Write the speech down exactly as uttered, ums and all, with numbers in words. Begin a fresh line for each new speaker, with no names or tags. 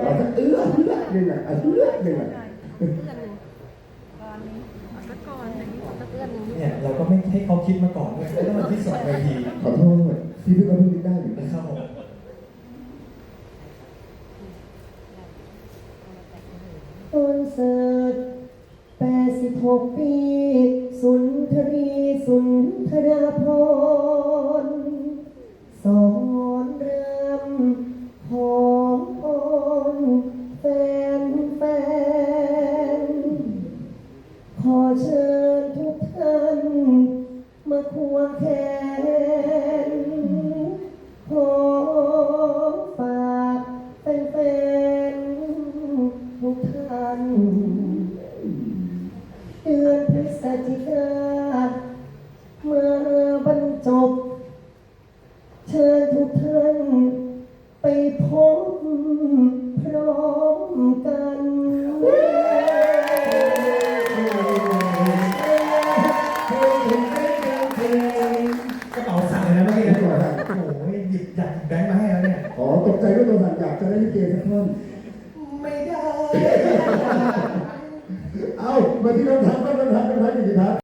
เอาสักเอื้อเอื้อหนึ่งอ่ะเอื้อหนึ่งอ่ะ
เนี่ยเราก็ไม่ให้เขาคิดมาก่อนด้วยแล้วมาที่สองเวที
ขอโทษพี่เพิ่งก็เพิ่งคิดได้อยู่
นะ
นะ
ครับผม
คอนเสิร์ตแปดสิบหกปีสุนทรีสุนทราภรณ์สอนรำขอพรแฟนแฟนขอเชิญทุกท่านมาควงแขนขอฝากแฟนๆทุกท่านเดือนพฤศจิกาเมื่อบรรจบเชิญทุกท่านไปพบพร้อมกัน
กระเป๋าสั่นเลยนะเมื่อกี้นะโอ้โหหยิบอยากหยิบแบงค์มาให้แล้วเนี่ย
อ๋อตกใจว่าตัวสั่นอยากจะได้ลิเกสักท่อน
ไม่ได้
เอามาที่คำถามคำถามคำถามอย่างนี้ครับ